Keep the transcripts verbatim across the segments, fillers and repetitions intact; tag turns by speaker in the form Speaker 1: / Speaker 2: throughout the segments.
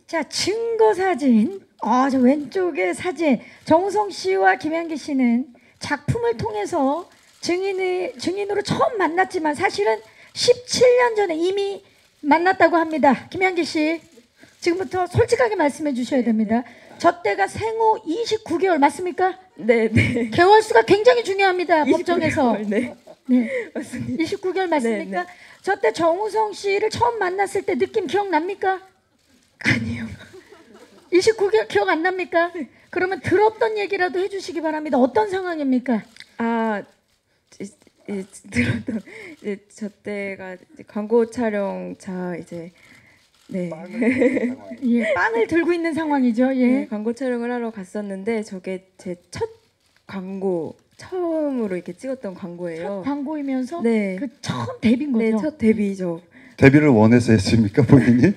Speaker 1: 자, 증거 사진. 아, 저 왼쪽에 사진. 정우성 씨와 김향기 씨는 작품을 통해서 증인이 증인으로 처음 만났지만 사실은 십칠 년 전에 이미 만났다고 합니다. 김향기 씨, 지금부터 솔직하게 말씀해 주셔야 됩니다. 저 때가 생후 이십구 개월 맞습니까?
Speaker 2: 네, 네.
Speaker 1: 개월 수가 굉장히 중요합니다. 법정에서.
Speaker 2: 이십구 개월, 네.
Speaker 1: 네.
Speaker 2: 맞습니다.
Speaker 1: 이십구 개월 맞습니까?
Speaker 2: 네, 네.
Speaker 1: 저 때 정우성 씨를 처음 만났을 때 느낌 기억납니까?
Speaker 2: 아니요.
Speaker 1: 이십구 개월 기억 안 납니까? 그러면 들었던 얘기라도 해주시기 바랍니다. 어떤 상황입니까?
Speaker 2: 아, 이, 이, 들었던 이제 저 때가 이제 광고 촬영차 이제 네.
Speaker 1: 예, 빵을 들고 있는 상황이죠. 예.
Speaker 2: 네, 광고 촬영을 하러 갔었는데 저게 제 첫 광고 처음으로 이렇게 찍었던 광고예요.
Speaker 1: 첫 광고이면서
Speaker 2: 네.
Speaker 1: 그 처음 데뷔인 거죠.
Speaker 2: 네, 첫 데뷔죠.
Speaker 3: 데뷔를 원해서 했습니까 본인이?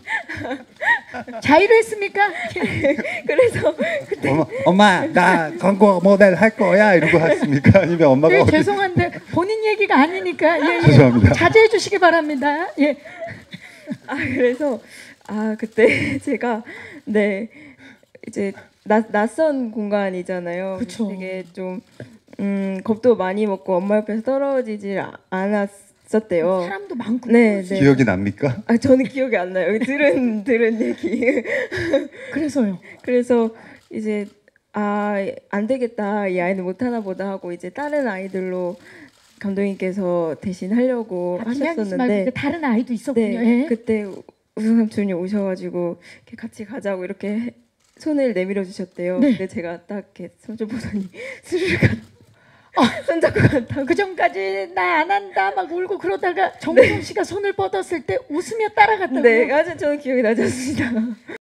Speaker 1: 자의로 했습니까?
Speaker 2: 그래서 그때
Speaker 3: 엄마, 엄마 나 광고 모델 할 거야 이러고 했습니까? 아니면 엄마가
Speaker 1: 예,
Speaker 3: 어디-
Speaker 1: 죄송한데 본인 얘기가 아니니까 예, 예.
Speaker 3: 죄송합니다.
Speaker 1: 자제해 주시기 바랍니다. 예.
Speaker 2: 아 그래서 아 그때 제가 네 이제 낯 낯선 공간이잖아요.
Speaker 1: 그쵸.
Speaker 2: 되게 좀 음, 겁도 많이 먹고 엄마 옆에서 떨어지질 아- 않았었대요.
Speaker 1: 사람도 많고.
Speaker 2: 네, 네.
Speaker 3: 기억이 납니까?
Speaker 2: 아 저는 기억이 안 나요. 들은 들은 얘기.
Speaker 1: 그래서요.
Speaker 2: 그래서 이제 아 안 되겠다, 이 아이는 못 하나 보다 하고 이제 다른 아이들로 감독님께서 대신 하려고
Speaker 1: 아, 김양기 씨 말고
Speaker 2: 하셨었는데
Speaker 1: 그 다른 아이도 있었군요.
Speaker 2: 네,
Speaker 1: 예.
Speaker 2: 그때 우승 삼촌이 오셔가지고 이렇게 같이 가자고 이렇게 해- 손을 내밀어 주셨대요.
Speaker 1: 네.
Speaker 2: 근데 제가 딱 이렇게 삼촌 보더니 스르르 가 손잡고 갔다고.
Speaker 1: 그 전까지 나 안 한다 막 울고 그러다가 정우성 씨가 손을 뻗었을 때 웃으며 따라갔다고요.
Speaker 2: 네, 아주 저는 기억이 나지 않습니다.